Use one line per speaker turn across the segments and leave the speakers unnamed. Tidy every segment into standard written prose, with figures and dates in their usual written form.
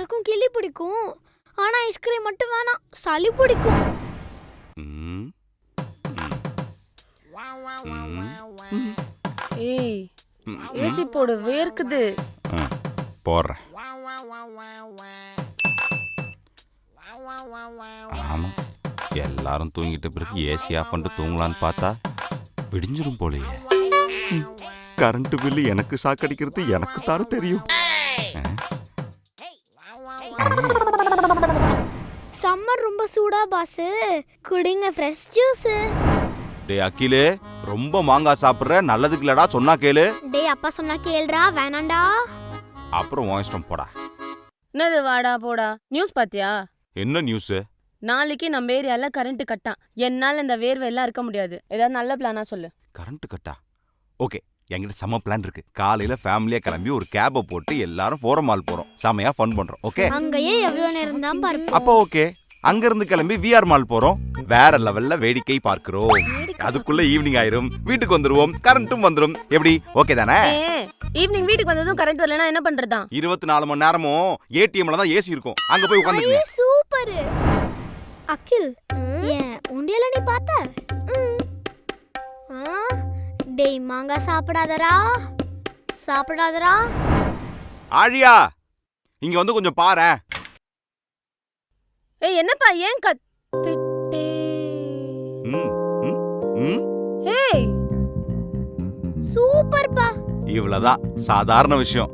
எல்லாருக்கும் கிளி பிடிக்கும். ஆனா ஐஸ்கிரீம் மட்டும் வேணாம், சளி பிடிக்கும்.
ஏய் ஏசி போடு, வேர்க்குது.
போடுறேன். ஆமா, எல்லாரும் தூங்கிட்ட பிறகு ஏசி ஆஃப் பண்ணிட்டு தூங்கலான்னு பார்த்தா விடிஞ்சிடும் போலயே. கரண்ட் பில்லு எனக்கு சாக்கடிக்கிறது எனக்கு தானே தெரியும்.
சம்மர் ரொம்ப சூடா பாஸ், குடிங்க ஃப்ரெஷ் ஜூஸ்.
டேய் அகிலே, ரொம்ப மாங்காய் சாப்பிடுற, நல்லதுக்கு இல்லடா, சொன்னா கேளு.
டேய் அப்பா சொன்னா கேளுடா, வேணாண்டா.
அப்புறம் உன் இஷ்டம் போடா.
என்னது வாடா போடா? நியூஸ் பாத்தியா?
என்ன நியூஸ்?
நாளைக்கு நம்ம ஏரியால கரண்ட் கட்டா. என்னால இந்த வேர்வை எல்லாம் இருக்க முடியாது. ஏதாவது நல்ல பிளானா சொல்லு.
கரண்ட் கட்டா? ஓகே, என்கிட்ட செம்ம பிளான் இருக்கு. காலையில ஃபேமிலியா கிளம்பி ஒரு கேபை போட்டு எல்லாரும் ஃபோரம் மால் போறோம். செமையா ஃபன் பண்றோம். ஓகே,
அங்கேயே எவ்வளவு நேரம் தான் பார்ப்போம்.
அப்போ ஓகே, அங்க இருந்து கிளம்பி விஆர் மால் போறோம். வேற லெவல்ல வேடிக்கை பார்க்கிறோம். அதுக்குள்ள ஈவினிங் ஆயிரும், வீட்டுக்கு வந்துருவோம், கரண்ட்டும் வந்துரும். எப்படி, ஓகே தானே?
ஈவினிங் வீட்டுக்கு வந்ததும் கரண்ட் வரலனா என்ன பண்றதா?
24 மணி நேரமும் ஏடிஎம்ல தான் ஏசி இருக்கும். அங்க போய் உட்கார்ந்துங்க.
சூப்பர். அகில், ஏன் உண்டியல நீ பார்த்த? டேய் மாங்காய் சாப்பிடாதடா, சாப்பிடாதடா.
ஆழியா, இங்க வந்து கொஞ்சம் பாரேன்.
ஏய் என்னப்பா, ஏன் கத்திட்டே? ஏய்
சூப்பர்ப்பா.
இவ்வளவுதான், சாதாரண விஷயம்.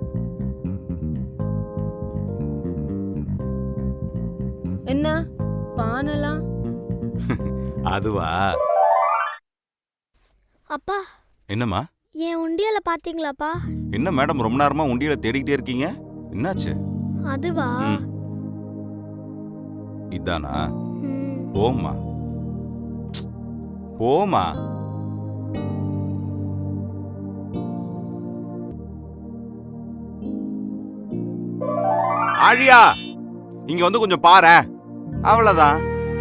என்ன பானலாம்?
அதுவா?
அப்பா,
என்னம்மா?
என் உண்டியல பாத்தீங்களாப்பா?
என்ன மேடம், ரொம்ப நேரமா உண்டியல தேடிக்கிட்டே இருக்கீங்க, என்னாச்சு?
அதுவா?
இதானா? போமா போமா. ஆழியா, இங்க வந்து கொஞ்சம் பாரேன். அவ்வளவுதான்.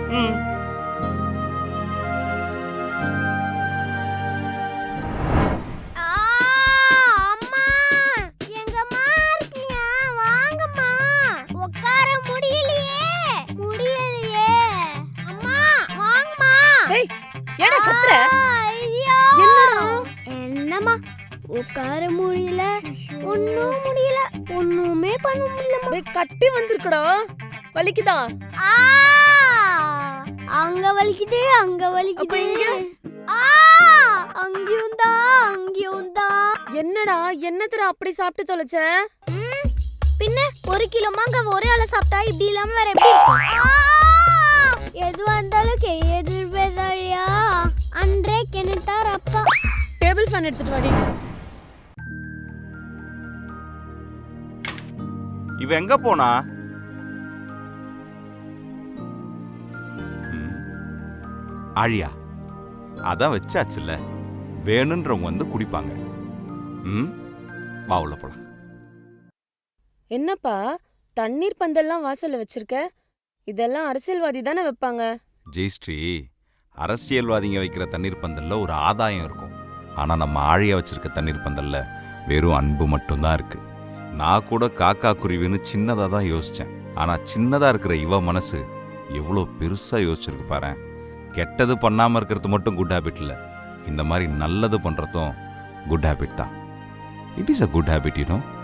உட்கார முடியல, ஒண்ணும் முடியல, ஒண்ணுமே பண்ண முடியல.
டேய் கட்டி வந்திருக்குடா, வலிக்குதா?
அங்க வலிக்குது, அங்க வலிக்குது.
அப்ப இங்க?
அங்கேயும் தான், அங்கேயும் தான்.
என்னடா, என்னத்தடா அப்படி சாப்பிட்டு தொலைச்ச?
பின்ன 1 கிலோ மாங்காய் ஒரே ஆள சாப்பிட்டா இப்படி இல்லாம வேற எப்படி? எது வந்தாலும் எதிர் பேசாழியா, அன்றே கெனித்தார் அப்பா.
டேபிள் ஃபேன் எடுத்துட்டு வாடி.
இவ எங்க போனா? ஆழியா, அதான் வச்சாச்சுல்ல, வேணுன்றவங்க வந்து குடிப்பாங்க. வா உள்ள போலாம்.
என்னப்பா தண்ணீர் பந்தல்லாம் வாசல்ல வச்சிருக்க? இதெல்லாம் அரசியல்வாதி தானே வைப்பாங்க.
ஜெயஸ்ரீ, அரசியல்வாதிங்க வைக்கிற தண்ணீர் பந்தல்ல ஒரு ஆதாயம் இருக்கும். ஆனா நம்ம ஆழியா வச்சிருக்க தண்ணீர் பந்தல்ல வெறும் அன்பு மட்டும்தான் இருக்கு. நான் கூட காக்கா குருவின்னு சின்னதா தான் யோசிச்சேன். ஆனா சின்னதா இருக்கிற இவ மனசு எவ்வளோ பெருசா யோசிச்சிருக்கு பாரு. கெட்டது பண்ணாம இருக்கிறது மட்டும் குட் ஹேபிட் இல்லை, இந்த மாதிரி நல்லது பண்றதும் குட் ஹேபிட் தான். It is a good habit, you no.